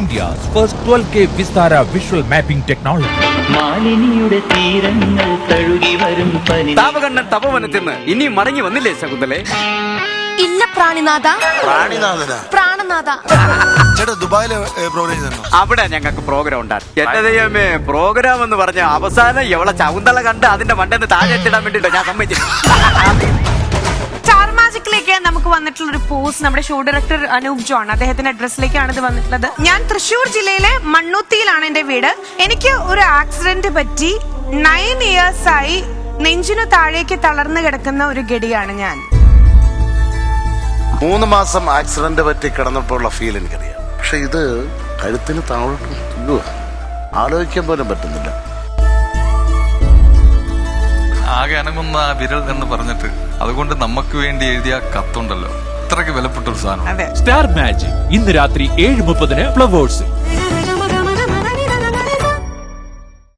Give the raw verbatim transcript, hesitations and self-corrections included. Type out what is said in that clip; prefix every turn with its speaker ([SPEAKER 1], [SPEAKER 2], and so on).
[SPEAKER 1] India's first twelve K Vistara visual mapping technology.
[SPEAKER 2] മാലിനിയുടെ തീരങ്ങൾ തഴുകി വരും പനി
[SPEAKER 3] താപകണ്ണൻ തപോവനത്തിന്ന് ഇനി മടങ്ങി വന്നില്ലേ ശകുന്തലേ?
[SPEAKER 4] ഇല്ല പ്രാണിനാഥ.
[SPEAKER 5] പ്രാണിനാഥനാ?
[SPEAKER 4] പ്രാണനാഥ.
[SPEAKER 5] ചേട്ടാ ദുബായിലെ പ്രോഗ്രാം തന്നെ
[SPEAKER 3] അവിടെ ഞങ്ങൾക്ക് പ്രോഗ്രാം ഉണ്ടായിരുന്നു. എന്റെ ദൈവമേ, പ്രോഗ്രാം എന്ന് പറഞ്ഞ അവസാനം എവളെ ശകുന്തള കണ്ട് അതിന്റെ മണ്ടെന്ന് താഴെ ഇടാൻ വേണ്ടിട്ടോ ഞാൻ സമ്മതിച്ചു.
[SPEAKER 6] സ്റ്റാർ മാജിക്കിലേക്ക് നമുക്ക് വന്നിട്ടുള്ള ഒരു പോസ്റ്റ് നമ്മുടെ ഷോ ഡയറക്ടർ അനൂപ് ജോൺ, അദ്ദേഹത്തിന്റെ അഡ്രസ്സിലേക്കാണ് ഇത് വന്നിട്ടുള്ളത്. ഞാൻ തൃശ്ശൂർ ജില്ലയിലെ മണ്ണുത്തിയിലാണ് എന്റെ വീട്. എനിക്ക് ഒരു ആക്സിഡന്റ് പറ്റി നയൻ ഇയേഴ്സ് ആയി നെഞ്ചിനു താഴേക്ക് തളർന്നു കിടക്കുന്ന ഒരു ഗഡിയാണ് ഞാൻ.
[SPEAKER 5] മൂന്ന് മാസം ആക്സിഡന്റ് പറ്റി കിടന്നപ്പോഴുള്ള ഫീൽ എനിക്കറിയാം. പക്ഷെ ഇത് കഴുത്തിന് താഴോട്ട് ആലോചിക്കാൻ പോലും പറ്റുന്നില്ല.
[SPEAKER 7] ആകെ അനങ്ങുന്ന ആ വിരൽ എന്ന് പറഞ്ഞിട്ട് അതുകൊണ്ട് നമുക്ക് വേണ്ടി എഴുതിയ കത്തുണ്ടല്ലോ, അത്രയ്ക്ക് വിലപ്പെട്ടൊരു സാധനം.
[SPEAKER 1] സ്റ്റാർ മാജിക് ഇന്ന് രാത്രി ഏഴ് മുപ്പതിന് ഫ്ലവേഴ്സിൽ.